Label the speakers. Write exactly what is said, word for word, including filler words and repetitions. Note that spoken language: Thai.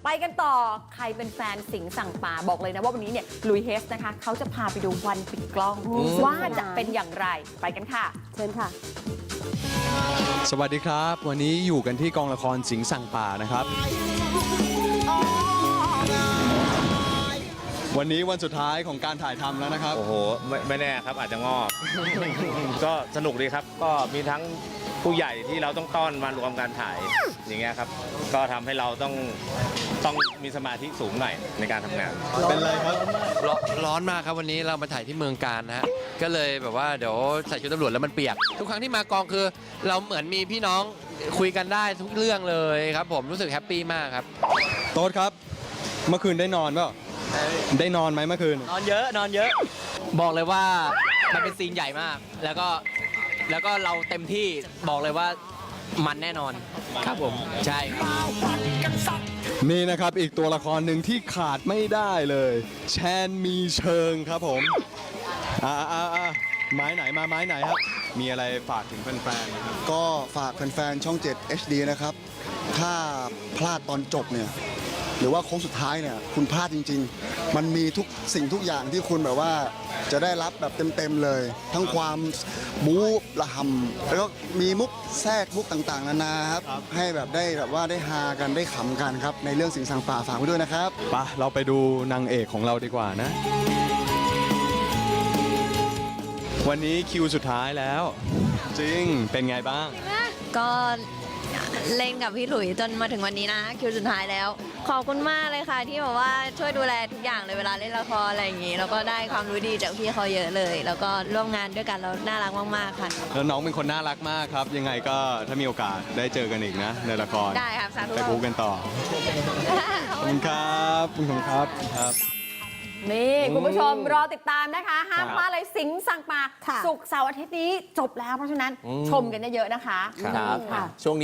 Speaker 1: ไปกันต่อใครเป็นแฟนสิงห์สั่งป่าบอกเลยนะว่าวันนี้เนี่ยลุยเฮสนะคะเขาจะพาไปดูวันปิดกล้องว่าจะเป็นอย่างไรไปกันค่ะเชิญค่ะ
Speaker 2: สวัสดีครับ วันนี้อยู่กันที่กองละครสิงห์สั่งป่านะครับ วันนี้วันสุดท้ายของการถ่ายทำแล้วนะครับ
Speaker 3: โอ้โหไม่ไม่แน่ครับอาจจะงอก ก็สนุกดีครับ ก็มีทั้งผู้ใหญ่ที่เราต้องต้อนมารวมการถ่ายอย่างเงี้ยครับ ก็ทำให้เราต้องต้องมีสมาธิสูงหน่อยในการทำงาน
Speaker 2: เป็นไรครับ
Speaker 4: ร้อนร้อนมากครับวันนี้เรามาถ่ายที่เมืองการนะฮะก็เลยแบบว่าเดี๋ยวใส่ชุดตำรวจแล้วมันเปียก ทุกครั้งที่มากองคือ เราเหมือนมีพี่น้องคุยกันได้ทุกเรื่องเลยครับผมรู้สึกแฮปปี้มากครับ
Speaker 2: โต๊ดครับ เมื่อคืนได้นอนเปล่าได้นอนไหมเมื่อคืน
Speaker 5: นอนเยอะนอนเยอะ บอกเลยว่ามันเป็นซีนใหญ่มาก แล้วก็แล้วก็เราเต็มที่บอกเลยว่ามันแน่นอนครับผมใช่ครับ
Speaker 2: นี่นะครับอีกตัวละครหนึ่งที่ขาดไม่ได้เลย แชนมีเชิงครับผมอ่าอ่าอ่าไม้ไหนมาไม้ไหนครับ มีอะไรฝากถึงแฟนๆไหมครับ
Speaker 6: ก็ฝากแฟนๆช่อง เจ็ด เอช ดี นะครับ ถ้าพลาดตอนจบเนี่ย หรือว่าโค้งสุดท้ายเนี่ย คุณพลาดจริงๆ มันมีทุกสิ่งทุกอย่างที่คุณแบบว่าจะได้รับแบบเต็มๆเลย ทั้งความบู๊ระหำแล้วก็มีมุกแทรกมุกต่างๆ นานาครับ ให้แบบได้แบบว่าได้ฮากันได้ขำกันครับ ในเรื่องสิงห์สังป่าฝากไว้ด้วยนะครับ
Speaker 2: ไปเราไปดูนางเอกของเราดีกว่านะ วันนี้คิวสุดท้ายแล้ว จริงเป็นไงบ้าง
Speaker 7: ก็เล่นกับพี่หลุยจนมาถึงวันนี้นะคิวสุดท้ายแล้ว ขอบคุณมากเลยค่ะที่แบบว่าช่วยดูแลทุกอย่างเลยเวลาเล่นละครอะไรอย่างนี้ แล้วก็ได้ความรู้ดีจากพี่เขาเยอะเลย แล้วก็ร่วมงานด้วยกันแล้วน่ารักมากๆค่ะ
Speaker 2: แล้วน้องเป็นคนน่ารักมากครับ ยังไงก็ถ้ามีโอกาสได้เจอกันอีกนะ ในละคร
Speaker 7: ได้ครับสาธุ
Speaker 2: ไปพูดกันต่อ ขอบคุณครับขอบคุณครับครับ
Speaker 1: นี่คุณผู้ชมรอติดตามนะคะ ห้ามพลาดเลยสิงห์สั่งป่า
Speaker 8: ค่ะ
Speaker 1: ศุกร์เสาร์อาทิตย์นี้จบแล้วเพราะฉะนั้นชมกันเยอะๆนะคะ
Speaker 5: ครับ
Speaker 1: ค่ะ
Speaker 5: ช่วงนี้